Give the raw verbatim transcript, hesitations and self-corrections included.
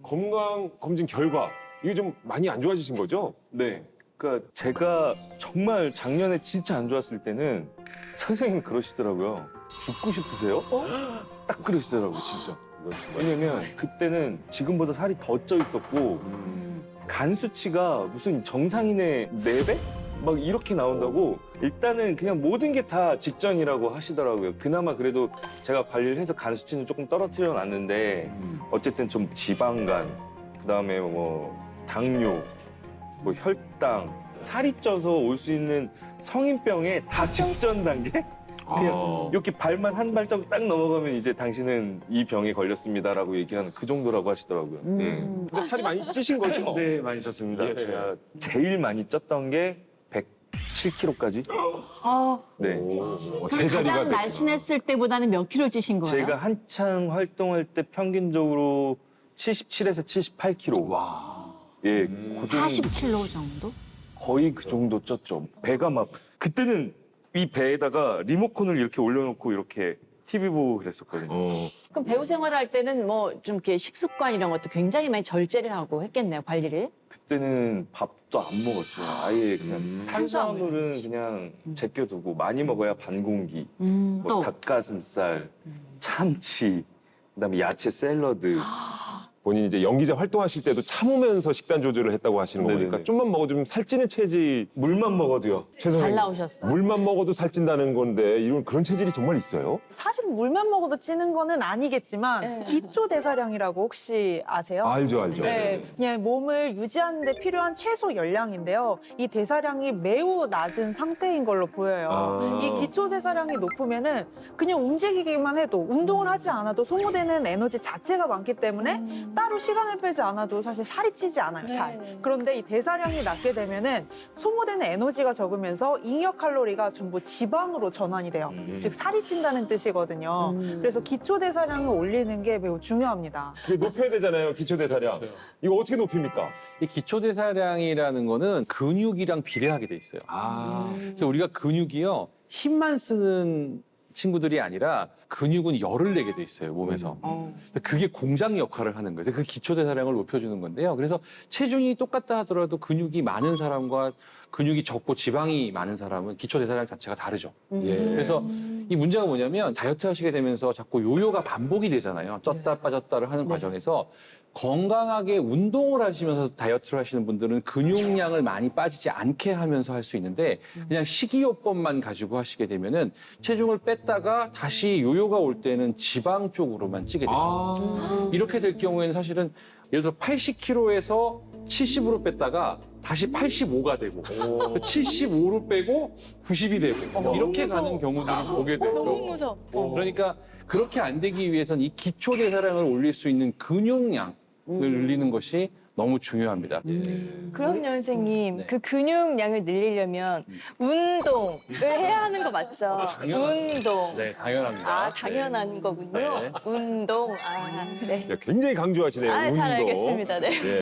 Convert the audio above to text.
건강 검진 결과 이게 좀 많이 안 좋아지신 거죠? 네. 그러니까 제가 정말 작년에 진짜 안 좋았을 때는 선생님이 그러시더라고요. 죽고 싶으세요? 딱 그러시더라고요, 진짜. 왜냐면 그때는 지금보다 살이 더 쪄 있었고 간 수치가 무슨 정상인의 네 배? 막 이렇게 나온다고 일단은 그냥 모든 게 다 직전이라고 하시더라고요. 그나마 그래도 제가 관리를 해서 간 수치는 조금 떨어뜨려 놨는데 어쨌든 좀 지방간, 그다음에 뭐 당뇨, 뭐 혈당, 살이 쪄서 올 수 있는 성인병의 다 직전 단계? 그냥 아. 이렇게 발만 한 발자국 딱 넘어가면 이제 당신은 이 병에 걸렸습니다라고 얘기하는 그 정도라고 하시더라고요. 음. 예. 근데 살이 많이 찌신 거죠? 네, 많이 쪘습니다. 예. 제가 제일 많이 쪘던 게 백칠 킬로그램까지. 어, 네. 오, 세 자리가 가장 됐구나. 날씬했을 때보다는 몇 킬로 찌신 거예요? 제가 한창 활동할 때 평균적으로 칠십칠에서 칠십팔 킬로그램. 와. 예, 음. 그 정도, 사십 킬로 정도? 거의 그 정도 쪘죠. 배가 막 그때는 이 배에다가 리모컨을 이렇게 올려놓고 이렇게 티비 보고 그랬었거든요. 어. 그럼 배우 생활할 때는 뭐 좀 이렇게 식습관 이런 것도 굉장히 많이 절제를 하고 했겠네요, 관리를. 그때는 밥도 안 먹었죠. 아예 그냥 음. 탄수화물은 그냥 음. 제껴두고 많이 먹어야 반 공기. 음, 뭐 또. 닭가슴살, 참치, 그다음에 야채 샐러드. 본인이 이제 연기자 활동하실 때도 참으면서 식단 조절을 했다고 하시는 네네네. 거니까 좀만 먹어도 좀 살찌는 체질. 물만 먹어도요. 잘 나오셨어. 물만 먹어도 살찐다는 건데 이런 그런 체질이 정말 있어요? 사실 물만 먹어도 찌는 거는 아니겠지만 네. 기초 대사량이라고 혹시 아세요? 알죠, 알죠. 네, 그냥 몸을 유지하는 데 필요한 최소 열량인데요. 이 대사량이 매우 낮은 상태인 걸로 보여요. 아. 이 기초 대사량이 높으면은 그냥 움직이기만 해도 운동을 하지 않아도 소모되는 에너지 자체가 많기 때문에 따로 시간을 빼지 않아도 사실 살이 찌지 않아요, 잘. 네. 그런데 이 대사량이 낮게 되면은 소모되는 에너지가 적으면서 잉여 칼로리가 전부 지방으로 전환이 돼요. 음. 즉 살이 찐다는 뜻이거든요. 음. 그래서 기초 대사량을 올리는 게 매우 중요합니다. 그게 높여야 되잖아요, 기초 대사량. 이거 어떻게 높입니까? 이 기초대사량이라는 거는 근육이랑 비례하게 돼 있어요. 아. 그래서 우리가 근육이요, 힘만 쓰는 친구들이 아니라 근육은 열을 내게 돼 있어요, 몸에서. 어. 그게 공장 역할을 하는 거예요. 그 기초대사량을 높여주는 건데요. 그래서 체중이 똑같다 하더라도 근육이 많은 사람과 근육이 적고 지방이 많은 사람은 기초대사량 자체가 다르죠. 예. 그래서 이 문제가 뭐냐면 다이어트 하시게 되면서 자꾸 요요가 반복이 되잖아요. 쪘다 빠졌다를 하는 과정에서 건강하게 운동을 하시면서 다이어트를 하시는 분들은 근육량을 많이 빠지지 않게 하면서 할 수 있는데 그냥 식이요법만 가지고 하시게 되면은 체중을 뺐다가 다시 요요가 올 때는 지방 쪽으로만 찌게 되죠. 아. 이렇게 될 경우에는 사실은 예를 들어 팔십 킬로그램에서 칠십으로 뺐다가 다시 팔십오가 되고 칠십오로 빼고 구십이 되고 이렇게 가는 경우들을 보게 돼요. 너무 무서워. 그러니까 그렇게 안 되기 위해서는 이 기초 대사량을 올릴 수 있는 근육량을 늘리는 것이 너무 중요합니다. 그럼요, 선생님. 네. 그 근육량을 늘리려면 운동을 해야 하는 거 맞죠? 당연하죠. 운동. 네, 당연합니다. 아, 당연한 거군요. 네. 운동. 아, 네. 굉장히 강조하시네요, 아, 운동. 잘 알겠습니다. 네. 예.